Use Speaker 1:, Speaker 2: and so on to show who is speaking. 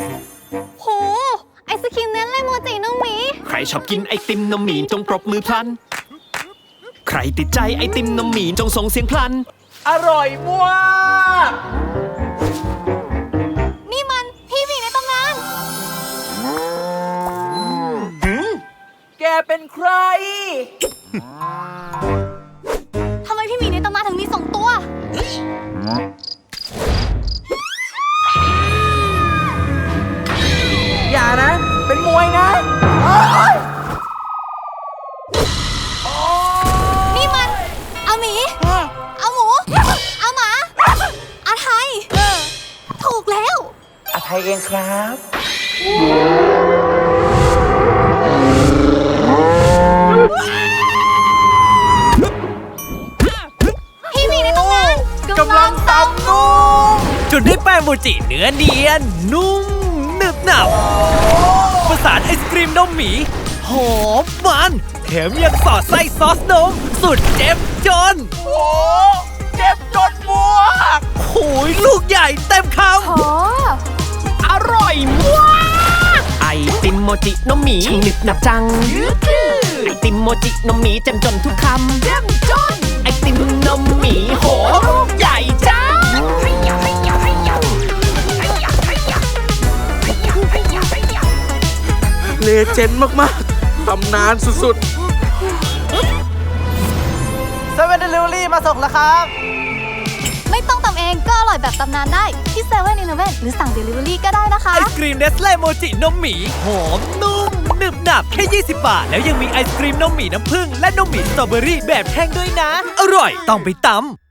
Speaker 1: โหไอศครีมเน้นเลยโมจิน้องหมี
Speaker 2: ใครชอบกินไอติมนมหมีจงปรบมือพลันใครติดใจไอติมนมหมีจงส่งเสียงพลัน
Speaker 3: อร่อยมาก
Speaker 1: นี่มันพี่หมีในตำนาน
Speaker 3: แกเป็นใคร
Speaker 1: ทำไมพี่หมีในตำนานถึงมี2 ตัว
Speaker 3: อย่านะ เป็นมวยนะ
Speaker 1: นี่มันอาหมีอาหมูอาหมาอาไทยถูกแล้ว
Speaker 3: อาไทยเองครับ
Speaker 1: พี่หมีในตำนาน
Speaker 3: กำลังตำนุ่ม
Speaker 4: จนได้แป้งโมจิเนื้อเนียนนุ่มหนึบหนับประสานไอศกรีมนมหมีหอมมันแถมยังสอดไส้ซอสนมสุดเจ็บจน
Speaker 3: โอ้เจ็บจนบวก
Speaker 4: โอ้ยลูกใหญ่เต็มค
Speaker 1: ำ
Speaker 2: อร่อยมากไอติมโมจินมหมีช่างหนึบหนับจังไอติมโมจินมหมีเจ็มจนทุกคำเจ็มจนไอติมนมหมีโหลูกใหญ่จัง
Speaker 3: เลเจนด์มากๆตำนานสุดๆเซเว่นเดลิเวอรี่มาส่งแล้วครับ
Speaker 1: ไม่ต้องตำเองก็อร่อยแบบตำนานได้ที่7-Eleven หรือสั่ง Delivery ก็ได้นะคะ
Speaker 4: ำไอศกรีมเนสเล่โมจินมหมีหอมนุ่มหนึบหนับแค่20 บาทแล้วยังมีไอศกรีมนมหมีน้ำผึ้งและนมหมีสตรอเบอรี่แบบแห้งด้วยนะอร่อยต้องไปตำ